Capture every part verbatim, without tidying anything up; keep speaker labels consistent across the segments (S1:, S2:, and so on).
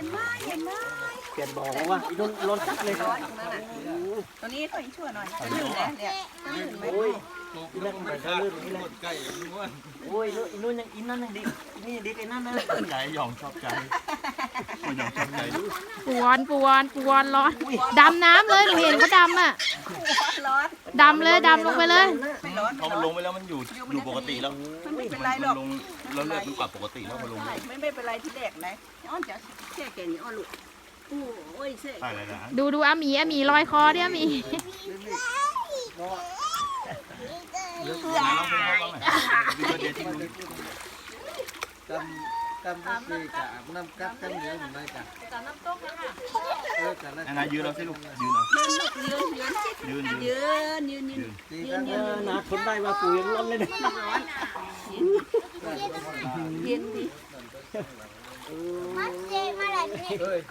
S1: นไหมเห็นไหม
S2: เปลี่ยนบอกว่าอีนุ่นร้อนจัดเลยครับ
S1: ตัวนี้ตัวอีชั่วหน่อยจะลื่นนะเนี่ยลื่นไหม
S2: โอ้ยอีนั่นมันก็ลื่นนี่แหละโอ้ยอีนุ่นยังอีนั่นยังดีนี่ดีไอ้นั่นนะ
S3: ใจหยองชอบใจหยองชอบใจ
S4: ปวนปวนปวนร้อนดำน้ำเลยหนูเห็นเขาดำอ่ะ
S1: ร้อน
S4: ดำเลยดำลงไปเลย
S1: ไม่ร้อน
S3: พอมันลงไปแล้วมันอยู่อยู่ปกติแล้ว
S1: มันไม่เป็นไรหร
S3: มั
S1: อก
S3: นลงแล้วเลือดมันปรับปกติแล้วพอลง
S1: ไม่ไม่เป็นไรที่แรกนะอ้อนจะแค่แกนี่อ้อนลูกโอ้ยเสก
S3: ใช่เลยนะ
S4: ดูดูอาหมีอาหมีลอยคอดิอาหมี
S3: น้ำเป็นห้องไหนวิดีโอเดียวที่มึง
S5: กำกำก็คือกับน้ำกัดกันเยอะเหมือนกัน
S1: กับน้ำต้มนะคะ
S5: เออกันแล้ว
S3: นะยืนเราสิลูกยืนเอา
S1: ยืนยืน
S3: ยืนยืน
S1: ยืนยืนยืน
S5: ตี
S1: ยื
S5: กัน น
S1: ยืน
S2: นาทนได้ว่าปู่ยังร้อนเลยนะ
S1: เย็นดิ
S5: เฮ้ย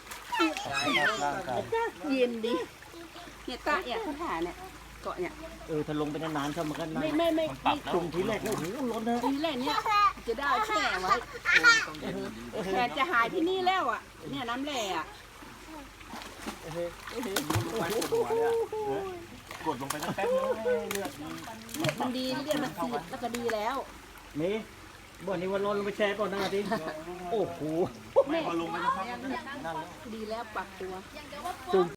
S1: เย็นดิเนี่ยตาเนี่ยเขาถ่าเนี่ยเกาะเนี่ย
S2: เออถ้าลงไปนานๆเข้ามันก็นาน
S1: ไม่ไม่ไม่
S3: มันปรับแล้ว
S2: กลุ่มทีแรกแล้วโอ้โหร้อนนะ
S1: ทีแรกเนี่ยจะได้แช่ไว้แต่จะหายที่นี่แล้วอ่ะเนี่ยน้ำแร่อ่ะ
S3: กดลงไปแป๊บนึงเลือด
S1: เลือดมันดีเลือดมันสีดแล้วก็ดีแล้ว
S2: นี่บ่อนี้วันร้อนลงไปแช่ก่อนนะทีโอ้โห
S3: ไม่พอลงไปสักพักนั่นแล้ว
S1: ดีแล้วปรับตัว
S2: จุ่ม